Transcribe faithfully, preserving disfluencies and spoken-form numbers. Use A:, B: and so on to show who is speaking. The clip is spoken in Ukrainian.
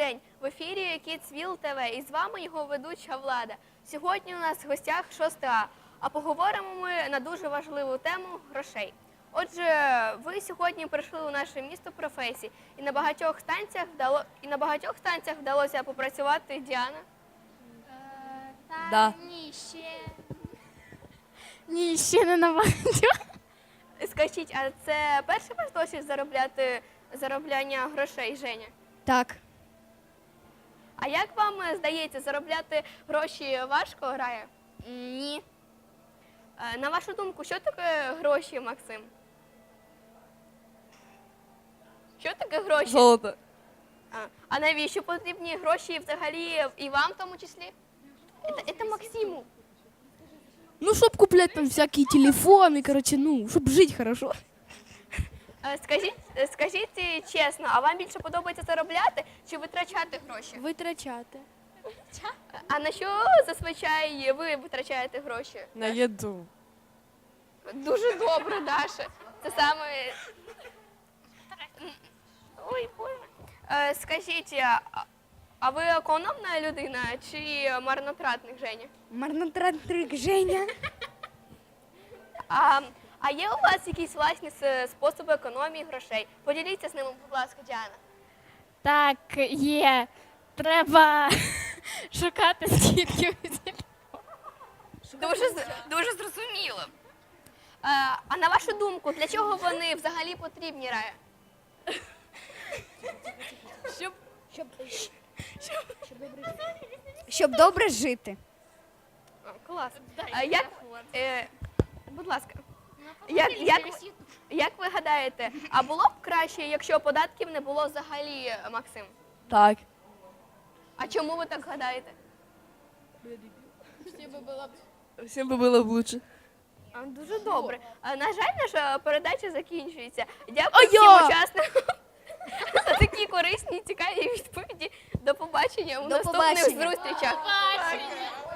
A: день! В ефірі Kidsville те ве і з вами його ведуча Влада. Сьогодні у нас в гостях шоста А, а поговоримо ми на дуже важливу тему – грошей. Отже, ви сьогодні прийшли у наше місто професій, і на багатьох станціях, вдало... і на багатьох станціях вдалося попрацювати, Діана?
B: Е, Та
C: Да.
B: ні, ще.
C: Ні, ще не на багатьох.
A: Скажіть, а це перший ваш досвід заробляти заробляння грошей, Женя?
C: Так.
A: А як вам е, здається, заробляти гроші важко грає?
C: Ні.
A: Е, На вашу думку, що таке гроші, Максим? Що таке гроші?
C: Золото.
A: А, а навіщо потрібні гроші взагалі і вам в тому числі? Це, це Максиму.
C: Ну, щоб купляти там всякі телефони, короче, ну, щоб жити хорошо.
A: Е, Скажіть, е, скажіть е, чесно, а вам більше подобається заробляти чи витрачати гроші?
C: Витрачати.
A: А на що зазвичай ви витрачаєте гроші?
D: На їду.
A: Дуже добре, Даша. Це саме. Ой, Боже. Е, Скажіть, а, а ви економна людина чи марнотратник, Женя?
C: Марнотратник Женя.
A: А, а є у вас якісь власні с- способи економії грошей? Поділіться з ними, будь ласка, Діана.
E: Так, є. Треба шукати скільки.
A: Дуже, з- дуже зрозуміло. А, а на вашу думку, для чого вони взагалі потрібні, Рая?
C: Щоб,
B: Щоб,
C: щоб добре жити.
A: О, клас. А як, е, будь ласка, як, як, як ви гадаєте, а було б краще, якщо податків не було взагалі, Максим?
C: Так.
A: А чому ви так гадаєте?
D: Всім би було б лучше.
A: А, Дуже добре. А, На жаль, наша передача закінчується. Дякую
C: А
A: всім
C: я?
A: учасникам за такі корисні і цікаві відповіді. До побачення у
C: До
A: наступних
C: побачення.
A: зустрічах.
E: Бачення.